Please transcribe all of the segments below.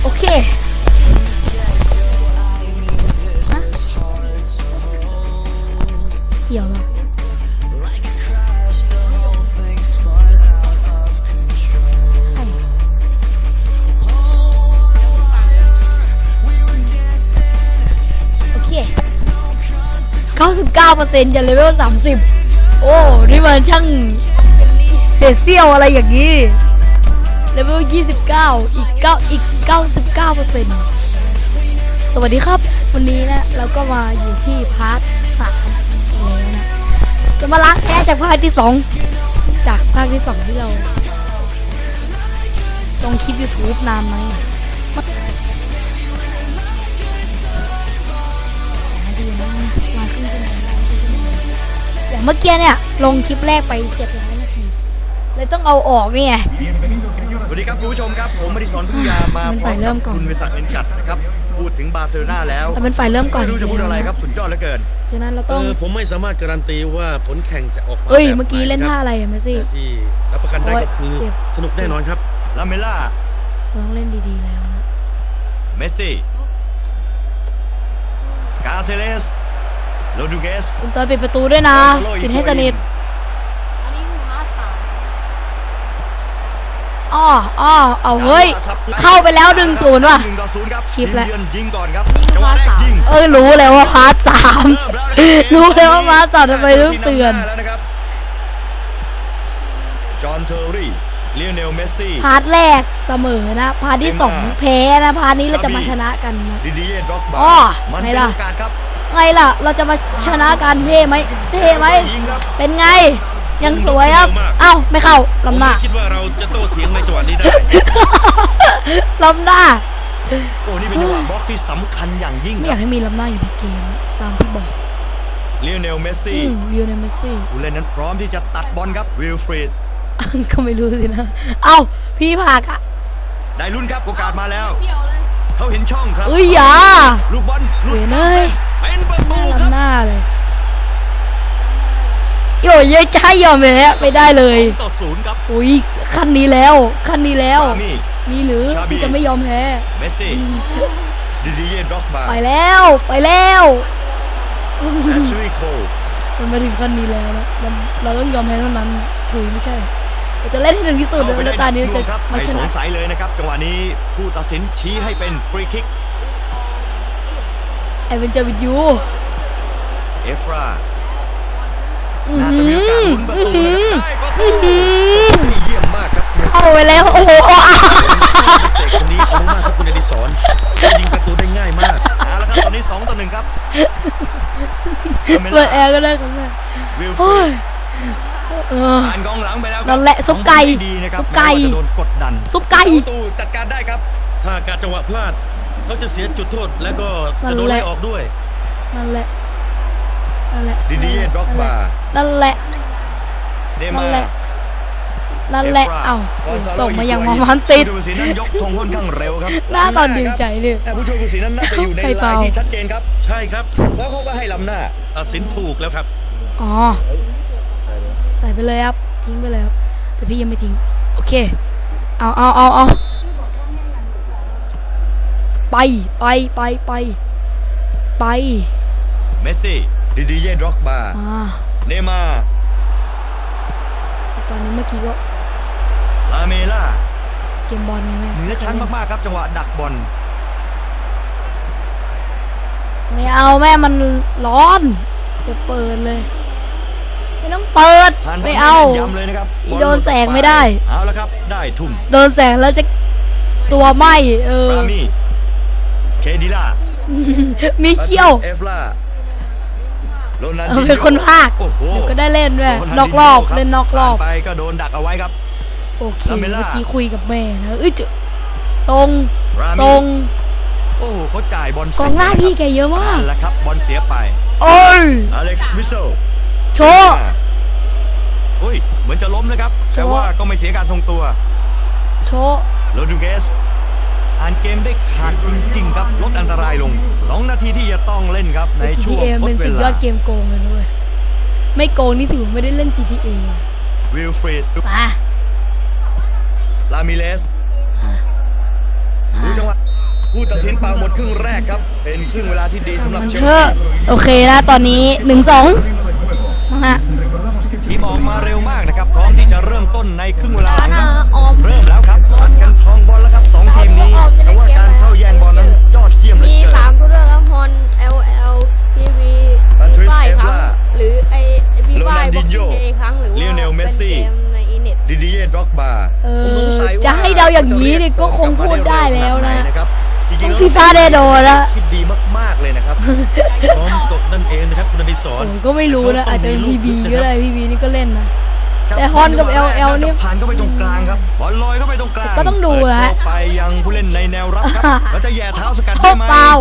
อเคฮะเกี่ยวเหรอ99%จะเลเวล30โอ้นี่มันช่างเศษเสี้ยวอะไรอย่างนี้เลเวล29อีก 99% สวัสดีครับวันนี้นะเราก็มาอยู่ที่พาร์ท3แล้วนะจะมาล้างแค้นจากภาคที่2จากภาคที่2ที่เราลงคลิป YouTube นานไหมอย่างเมื่อกี้เนี่ยลงคลิปแรกไป700 นาทีเลยต้องเอาออกนี่ไงสวัสดีครับคุณผู้ชมครับผมมดิศร พึ่งยามาพร้อมกับคุณวิศักดิ์เอ็นกัดนะครับพูดถึงบาร์เซโลนาแล้วเป็นฝ่ายเริ่มก่อนไม่รู้จะพูดอะไรครับสุดยอดเหลือเกินฉะนั้นเราต้องผมไม่สามารถการันตีว่าผลแข่งจะออกมาเมื่อกี้เล่นท่าอะไรเมสซี่ที่รับประกันได้ก็คือสนุกแน่นอนครับลาเมล่าต้องเล่นดีๆแล้วนะเมสซี่กาเซเลสโรดริเกสคุณตอนปิดประตูด้วยนะปิดให้สนิทเอาเฮ้ยเข้าไปแล้ว1-0ว่ะชิปแล้วรู้แล้วว่าพาร์ท3รู้แล้วว่าพาร์ท3ทำไมต้องเตือนจอห์นเทอร์รี่ลิโอเนลเมสซี่พาร์ทแรกเสมอนะพาร์ทที่2แพ้นะพาร์ทนี้เราจะมาชนะกันนะไงล่ะเราจะมาชนะกันเท่ไหมเป็นไงยังสวยครับเอ้าไม่เข้าลำหน้าคิดว่าเราจะโต้เถียงในจังหวะนี้ได้ลำหน้าโอ้นี่เป็นจังหวะบล็อกที่สำคัญอย่างยิ่งไม่อยากให้มีลำหน้าอยู่ในเกมตามที่บอกลิโอเนลเมสซี่ผู้เล่นนั้นพร้อมที่จะตัดบอลครับวิลฟรีดก็ไม่รู้สินะเอ้าพี่ผักอะได้ลุ้นครับโอกาสมาแล้วเขาเห็นช่องครับอย่าลูกบอลลุดเลยเป็นประตูครับหน้าเลยโย่ยใจยอมเลยไม่ได้เลย 2-0ครับอุ้ยขั้นนี้แล้วมีหรือที่จะไม่ยอมแพ้เมสซี่ดิดิเย่ด็อกบาไปแล้วแอชลีย์โคลมันมาถึงขั้นนี้แล้วนะเราต้องยอมแพ้เท่านั้นถุยไม่ใช่เราจะเล่นให้ถึงที่สุดในตอนนี้จะไม่สงสัยเลยนะครับจังหวะนี้ผู้ตัดสินชี้ให้เป็นฟรีคิกไอเวนเจอร์วิดยูเอฟราน่าจะมีโอกาสลุ้นประตูเยี่ยมมากครับเข้าไปแล้วโอ้โหเด็กคนนี้รู้มากครับคุณอดิศรยิงประตูได้ง่ายมากแล้วครับตอนนี้2-1ครับเปิดแอร์ก็ได้ครับแม่ผ่านกองหลังไปแล้วนั่นแหละซุปไก่โดนกดดันซุปไก่ประตูจัดการได้ครับถ้าการจังหวะพลาดเขาจะเสียจุดโทษแล้วก็จะโดนไล่ออกด้วยนั่นแหละดิดิเย่ด็อกบานั่นแหละเอ้าส่งมาอย่างมันติดผู้ช่วยผู้สินนั้นยกธงค่อนข้างเร็วครับหน้าตอนดีใจเลยผู้ช่วยผู้สินนั้นน่าจะอยู่ในลายที่ชัดเจนครับใช่ครับแล้วเขาก็ให้ล้ำหน้าตัดสินถูกแล้วครับใส่ไปเลยครับทิ้งไปเลยครับแต่พี่ยังไม่ทิ้งโอเคเอาไปเมสซี่ดิดิเย่ด็อกบาเนม่าตอนนี้เมื่อกี้ก็ลาเมล่าเกมบอลไงแม่เหนือชั้นมากๆครับจังหวะดักบอลไม่เอาแม่มันร้อนจะเปิดเลยไม่ต้องเปิดไม่เอาโดนแสงไม่ได้เอาละครับได้ทุ่มโดนแสงแล้วจะตัวไหมเคดิล่ามีเขี้ยวเป็นคนภาคเดี๋ยวก็ได้เล่นด้วยนอกรอบเล่นนอกรอบไปก็โดนดักเอาไว้ครับโอเคเมื่อกี้คุยกับแม่นะทรงโอ้โหเขาจ่ายบอลกองหน้าพี่แกเยอะมากแล้วครับบอลเสียไปอเล็กซ์มิเชลโชว์เหมือนจะล้มนะครับแต่ว่าก็ไม่เสียการทรงตัวโชว์โรดริเกสอ่านเกมได้ขาดจริงๆครับลดอันตรายลง2 นาทีที่จะต้องเล่นครับในช่วงทดเวลาเป็นสุดยอดเกมโกงเลยด้วยไม่โกงนี่ถือไม่ได้เล่น GTA วิลฟรีดลามิเลสดูจังหวะผู้ตัดสินเป่าหมดครึ่งแรกครับเป็นครึ่งเวลาที่ดีสำหรับมันเชลเถซีอะโอเคนะตอนนี้ 1-2นะฮะทีมออกมาเร็วมากนะครับพร้อมที่จะเริ่มต้นในครึ่งเวลาหลังครับออมเริ่มแล้วครับผัดกันครองบอลแล้วครับสองทีมนี้แต่ว่าการเข้าแย่งบอลนั้นยอดเยี่ยมเหลือมีเกิน 3 ตัวเลือกครับฮอน LL TV Patrice ป้ายครั้ง Evra หรือไอพี่ป้ายบ็อกซิ่ Ronaldinho งเดย์ครั้งหรือว่า Lionel เป็น Messi เกมในอินเน็ตดิดิเย่ด็อกบาเอผมสงสัยจะให้เดาอย่างนี้นี่ก็คงพูดได้แล้วนะจริงๆต้องแล้วฟีฟ่าได้โดนละคิดดีมากๆเลยนะครับพร้อมตกนั่นเองนะครับคุณอดิศรผมก็ไม่รู้นะอาจจะเป็นพีบีก็ได้พีบีนี่ก็เล่นนะ แต่ฮอนกับ LL นี่ผ่านเข้าไปตรงกลางครับบอลลอยเข้าไปตรงกลางก็ต้องดูนะเปิเข้าไปยังผู้เล่นในแนวรับครับ แล้วจะแย่เท้าสกัดโอ้ได้ไหมฟาว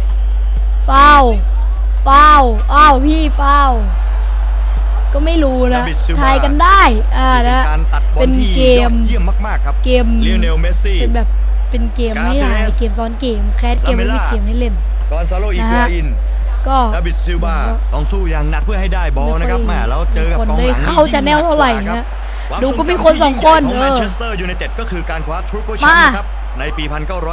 อ้าวพี่ฟาวก็ไม่รู้นะทายกันได้นะการตัดบอเป็ลนที่เกยอมดเยี่ยมมากๆครับเกมลิโอเนลเมสซี่เป็นแบบเป็นเกมไม่ใช่เกมซ้อนเกมแคสเกมไม่มีเกมให้เล่นกอนซาโลอีกัวอินก็ดาบิดซิลวาต้องสู้อย่างหนักเพื่อให้ได้บอลนะครับแม่แล้วเจอกับกองหลังได้เข้าจะแนวเท่าไหร่นะดูก็มีคนสองคนของแมนเชสเตอร์ยูไนเต็ดก็คือการคว้าทรูโกแชมป์นะครับในปี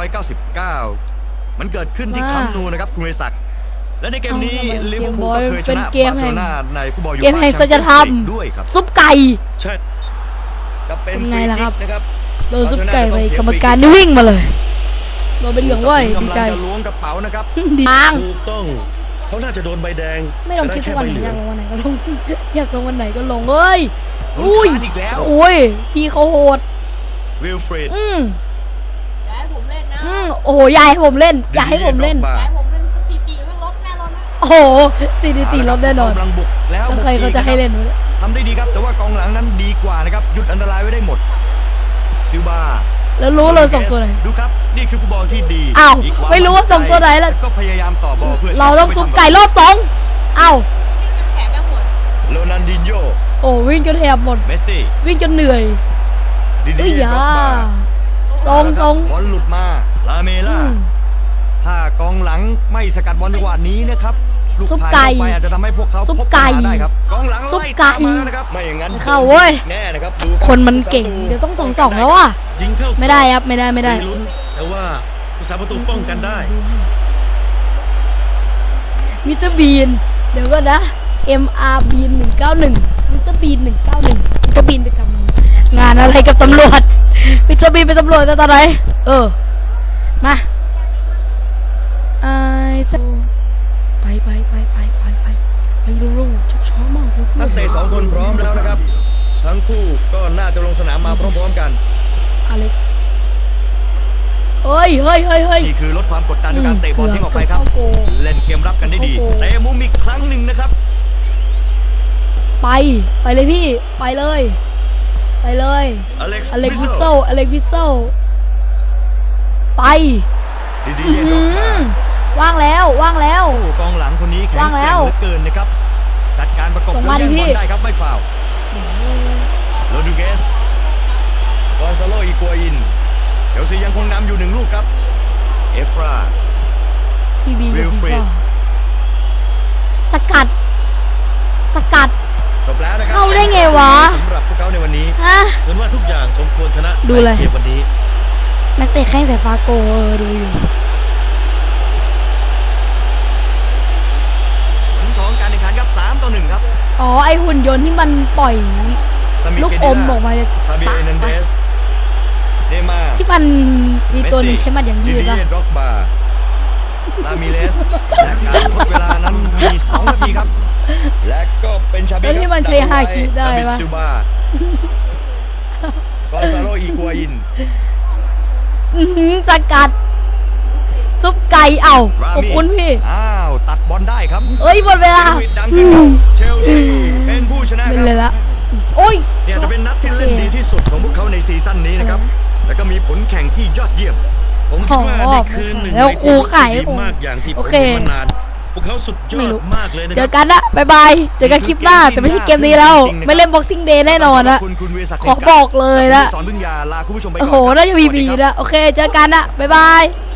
1999 มันเกิดขึ้นที่คัมป์นูนะครับคุณเวศักดิ์และในเกมนี้ลิเวอร์พูลก็เคยชนะบาร์เซโลนาในฟุตบอลยูเกมแห่งสัจธรรมด้วยครับซุปไก่ใช่จะเป็นเป็นไงล่ะครับฟรีคิกนะครับโดนซุปไก่ไปกรรมการนี่วิ่งมาเลยโดนเป็นเหลืองเว้ยดีใจกำลังจะล้วงกระเป๋านะครับดีมากถูกต้องเขาน่าจะโดนใบแดงไม่ลงคลิปทุกวันไหนแต่อยากได้ลงวันไหนก็ลง อยากลงวันไหนก็ลงเอ้ย อุ้ยโดนคานอีกแล้วโอ้ยพี่เขาโหดวิลฟรีดอย่าให้ผมเล่นนะโอ้โหอยากให้ผมเล่นอยากให้ผมเล่นอย่าให้ผมเล่นสถิติมันลบแน่นอนนะโอ้โหสถิติลบแน่นอนกำลังบุกแล้วแล้วใครเขาจะให้เล่นวะเนี่ยทำได้ดีครับแต่ว่ากองหลังนั้นดีกว่านะครับหยุดอันตรายไว้ได้หมดซิลบาแล้วรู้เลยส่งตัวไหนดูครับนี่คือฟุตบอลที่ดีอ้าวกควไม่รู้ว่าส่งตัวไหนล่ะก็พยายามต่อบอลเพื่อเราต้องซุปไก่รอบ2เอ้าแขนไม่หมดโรนัลดินโญ่โอ้วิ่งจนแหบหมดเมสซี่วิ่งจนเหนื่อยดิดิเอ้ยเย่ยาด็อกบาทรงทรงบอลหลุดมาลาเมล่าถ้ากองหลังไม่สกัดบอลจังหวะนี้นะครับลูซุปผ่านไก่เข้าไปอาจจะทำให้พวกเขาซุปพบไก่ปัญหาได้ครับกองหลังซุปไล่ไก่ตามมานะครับไม่อย่างนั้นเข้าเว้ยแน่นะครับดูรับคนมันเก่งเดี๋ยวต้อง2-2แล้วอ่ะยิงเข้าไม่ได้ครับไม่ได้มีลุ้นแต่ว่าผู้สาประตูป้องกันได้มิสเตอร์บีนเดี๋ยวก็นะ MR บีน191มิสเตอร์บีน191มิสเตอร์บีนไปทำงานอะไรกับตำรวจมิสเตอร์บีนเป็นตำรวจตอนไหนมาไอ้สัสไปลุงๆช้อมากเลยนักเตะสองคนพร้อมแล้วนะครับ ทั้งคู่ก็น่าจะลงสนามมาพร้อมๆกันอะไรเฮ้ยนี่คือลดความกดดันด้วยการเตะบอลทิ้งออกไปครับเข้าโกเล่นเกมรับกันได้ดีเข้าโกเตะมุมอีกครั้งหนึ่งนะครับไปเลยพี่ไปเลยอเล็กซ์อเล็กวิสเซลไปดีๆเย็นออกมาว่างแล้วโอ้กองหลังคนนี้แข็งว่างแกแล้ร่งวเหลือเกินนะครับจัดการประกบส่งมาดิแย่พี่บอลได้ครับไม่ฟาวล์โรดริเกสกอนซาโลอีกัวอินเชลซียังคงนำอยู่1 ลูกครับเอฟราพี่บีวิลฟรีดสกัดจบแล้วนะครับเข้าได้ไงวะสำหรับพวกเขาในวันนี้ฮะเหมือนว่าทุกอย่างสมควรชนะดูเลยในเกมวันนี้นักเตะแข้งสายฟ้าโกดูอยู่ผลของการแข่งขันครับ3-1ครับอ๋อไอหุ่นยนต์ที่มันปล่อยซามิลูกเกอเดมอล่าอกมาจากซาเบียปากเอนันเดสเดมาที่มันมีตัวหนึ่งใช้มัดอย่างยืดดิป่ะเย่ด็อกบาลามิเลสและการทดเวลานั้นมี2 นาทีครับ และก็เป็นชาบิแล้วที่มันใช้ฮาคิได้ปะซิลบากอนซาโลอีกัวอินสกัด ซุปไก่เอ้าขอบคุณพี่อ้าวตัดบอลได้ครับเอ้ยหมดเวลาเดวิดดังขึ้นครับเชลซีเป็นผู้ชนะเป็คนเลยรับละโอ้ยเนี่ยจะเป็นนัดที่เล่นดีที่สุดของพวกเขาในซีซั่นนี้นะครับ แล้วก็มีผลแข่งที่ยอดเยี่ยมผมคิดว่านี่คือหนึ่งแล้วในครูทีมขายที่ผมดีมากอย่างที่ผโอมเคเห็นมานาน พวกเขาสุดยอไม่ดรู้มากเลยนะเจคอรับกันนะบ๊ายบายเจอกันคลิปหน้าแต่ไม่ใช่เกมนี้แล้ว ไม่เล่น Boxing Day แน่นอนนะคุณวีรศักดิ์ขอบอกเลยนะสอนพึ่งยาลาคุณผู้ชมไปก่อนโอ้โหครับน่าจะมีสวัสบีดีครับนะโอเคเจอกันนะบ๊ายบาย